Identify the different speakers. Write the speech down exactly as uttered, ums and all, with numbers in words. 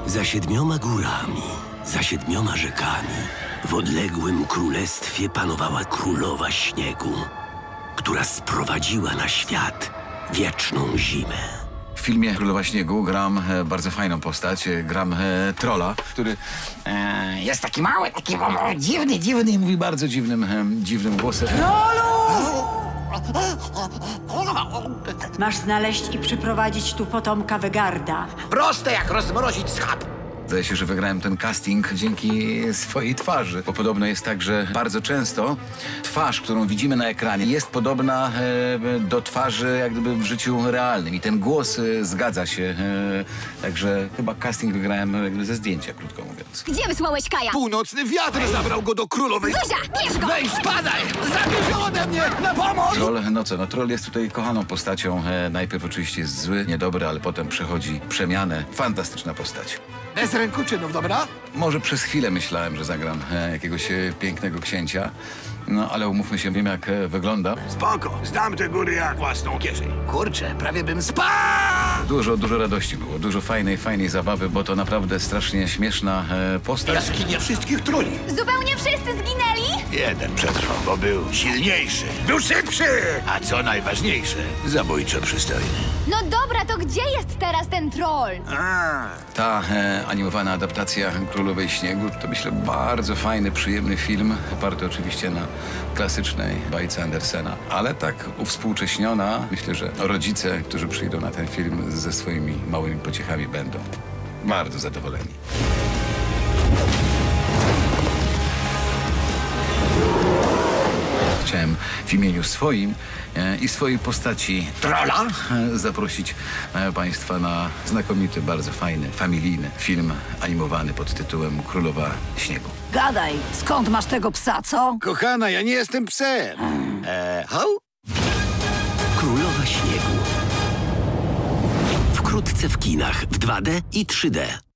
Speaker 1: Za siedmioma górami, za siedmioma rzekami, w odległym królestwie panowała królowa śniegu, która sprowadziła na świat wieczną zimę.
Speaker 2: W filmie Królowa Śniegu gram e, bardzo fajną postać, e, gram e, trolla, który e, jest taki mały, taki o, dziwny, dziwny i mówi bardzo dziwnym, e, dziwnym głosem.
Speaker 3: Masz znaleźć i przyprowadzić tu potomka Wegarda.
Speaker 4: Proste jak rozmrozić schab.
Speaker 2: Zdaje się, że wygrałem ten casting dzięki swojej twarzy, bo podobno jest tak, że bardzo często twarz, którą widzimy na ekranie, jest podobna e, do twarzy jak gdyby w życiu realnym i ten głos e, zgadza się, e, także chyba casting wygrałem jak gdyby ze zdjęcia, krótko mówiąc.
Speaker 5: Gdzie wysłałeś Kaja?
Speaker 4: Północny wiatr zabrał go do królowej.
Speaker 5: Zuzia, bierz go!
Speaker 4: Weź, spadaj! Zabierz ją ode mnie! Na pomoc!
Speaker 2: Troll, no co, no Troll jest tutaj kochaną postacią, e, najpierw oczywiście jest zły, niedobry, ale potem przechodzi przemianę. Fantastyczna postać.
Speaker 4: Bez ręku czynów, dobra?
Speaker 2: Może przez chwilę myślałem, że zagram e, jakiegoś e, pięknego księcia, no ale umówmy się, wiem jak e, wygląda.
Speaker 4: Spoko, znam te góry jak własną kieszeń. Kurczę, prawie bym spadł!
Speaker 2: Dużo, dużo radości było, dużo fajnej, fajnej zabawy, bo to naprawdę strasznie śmieszna e, postać.
Speaker 4: Jaskinie wszystkich truli.
Speaker 5: Zupełnie wszyscy zginęli?
Speaker 4: Jeden przetrwał, bo był silniejszy, był szybszy, a co najważniejsze, zabójczo przystojny.
Speaker 5: No dobra, to gdzie jest teraz ten troll?
Speaker 4: A,
Speaker 2: Ta e, animowana adaptacja Królowej Śniegu to myślę bardzo fajny, przyjemny film, oparty oczywiście na klasycznej bajce Andersena, ale tak uwspółcześniona. Myślę, że rodzice, którzy przyjdą na ten film ze swoimi małymi pociechami będą bardzo zadowoleni. Chciałem w imieniu swoim e, i swojej postaci trolla e, zaprosić e, Państwa na znakomity, bardzo fajny, familijny film animowany pod tytułem Królowa Śniegu.
Speaker 3: Gadaj, skąd masz tego psa, co?
Speaker 4: kochana, ja nie jestem psem. Eee, ho?
Speaker 1: Królowa Śniegu. Wkrótce w kinach w dwa D i trzy D.